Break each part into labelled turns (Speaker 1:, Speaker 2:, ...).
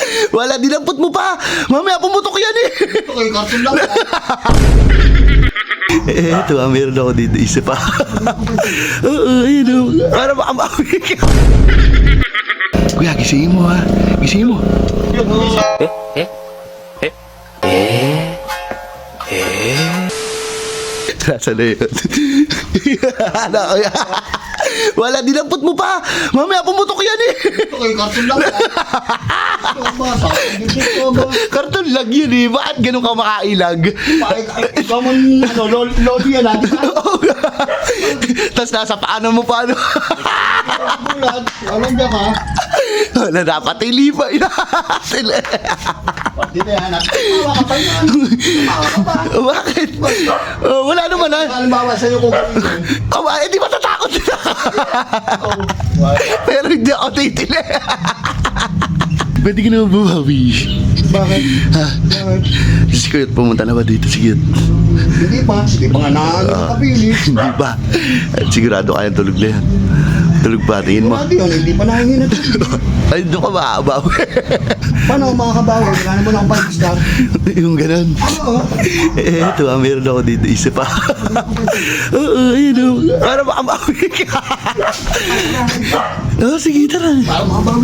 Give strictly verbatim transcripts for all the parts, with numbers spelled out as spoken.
Speaker 1: Wala, dinampot mo pa. Mamaya pumutok yan eh.
Speaker 2: Ito kayo, karton lang.
Speaker 1: Eh, ito ah, meron ako dito. Isa pa. Oo, ayun o. Para makamawi ka. Kuya, gisingin mo ha. Gisingin mo. Nasa na yun? Ano, kuya? Wala, dinampot mo pa. Mamaya pumutok yan eh.
Speaker 2: Ito kayo, karton lang. Ito ang basa. Ito ang basa.
Speaker 1: Karton lang yun eh. Bakit ganun ka makailag?
Speaker 2: Ikaw man, ano, lo- lodi yan natin.
Speaker 1: Tapos nasa paano mo paano?
Speaker 2: Bulag. Alam niya ka.
Speaker 1: Wala, dapat ilipay na.
Speaker 2: Pati na yan. Tawa ka pa yan. Tawa ka pa.
Speaker 1: Bakit? Oh, wala naman ah.
Speaker 2: Halimbawa sa'yo kung gawin.
Speaker 1: Kama, eh di matatakot sila. Pero hindi ako titili. Pwede ka naman bumawi.
Speaker 2: Bakit?
Speaker 1: Ha?
Speaker 2: Bakit?
Speaker 1: Si Kuyot, pumunta na ba dito? Sige.
Speaker 2: Hindi pa. Hindi pa nga naano ng kapili.
Speaker 1: Hindi ba? Sigurado kayang tulog na yan. Tulog pa, tingin mo.
Speaker 2: Pati yun, hindi pa nahingin na ito.
Speaker 1: Ay, doon ka makakabaw.
Speaker 2: Paano ako makakabawi? Wala naman akong five-star.
Speaker 1: Yung ganun.
Speaker 2: Oo.
Speaker 1: Eh, ito ah, meron ako dito. Isa pa. Oo, ayun o. Para makamawi ka. Oo, sige, tara.
Speaker 2: Para makabawi.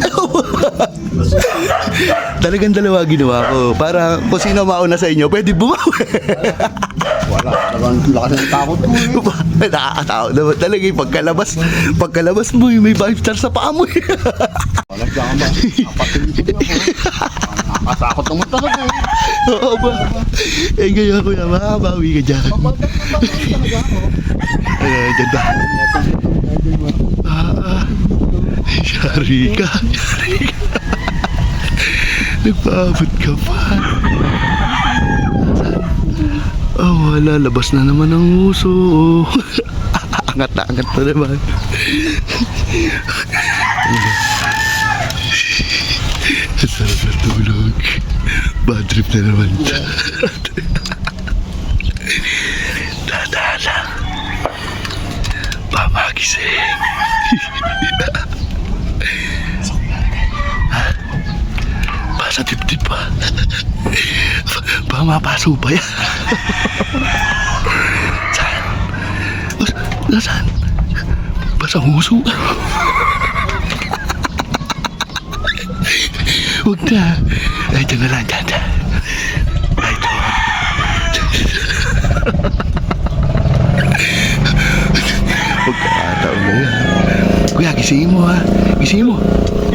Speaker 1: Talagang dalawa ginawa ko. Para kung sino mauna sa inyo, pwede bumawi.
Speaker 2: Wala. Talagang lakas ng takot ko eh.
Speaker 1: Nakakatakot naman talaga yung pagkalabas. Pagkalabas mo, yung may five star sa paa mo.
Speaker 2: Wala siya ka ba? Napatulog ako. Nakakatakot naman talaga eh.
Speaker 1: Oo ba? Eh, ganyan ko na, makabawi ka dyan.
Speaker 2: Pabagdak na pabagdak talaga ako.
Speaker 1: Ano, dyan ba? Ah, ah. Yari ka, yari ka. Nagpaabot ka pa. Oh, wala. Labas na naman ang uso. Angat na, angat na naman. Sarap na tulog. Bad trip na naman. Dada lang. Pamagising. Basa tip-tip pa. Baka mapaso pa yan. Saan? Bas- Nasaan? Basa huso. Huwag na. Ay, dyan na lang, dyan, dyan. Ay, doon. Huwag ka kataon na yan. Kuya, gisingin mo ha. Gisingin mo.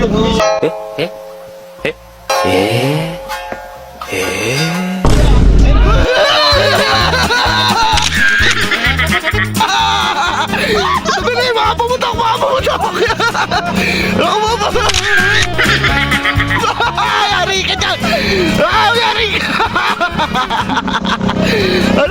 Speaker 1: Sabi na yung mga pumutok, mga pumutok! Ako mga pumutok! Yari ka dyan! Ah, yari ka! Ano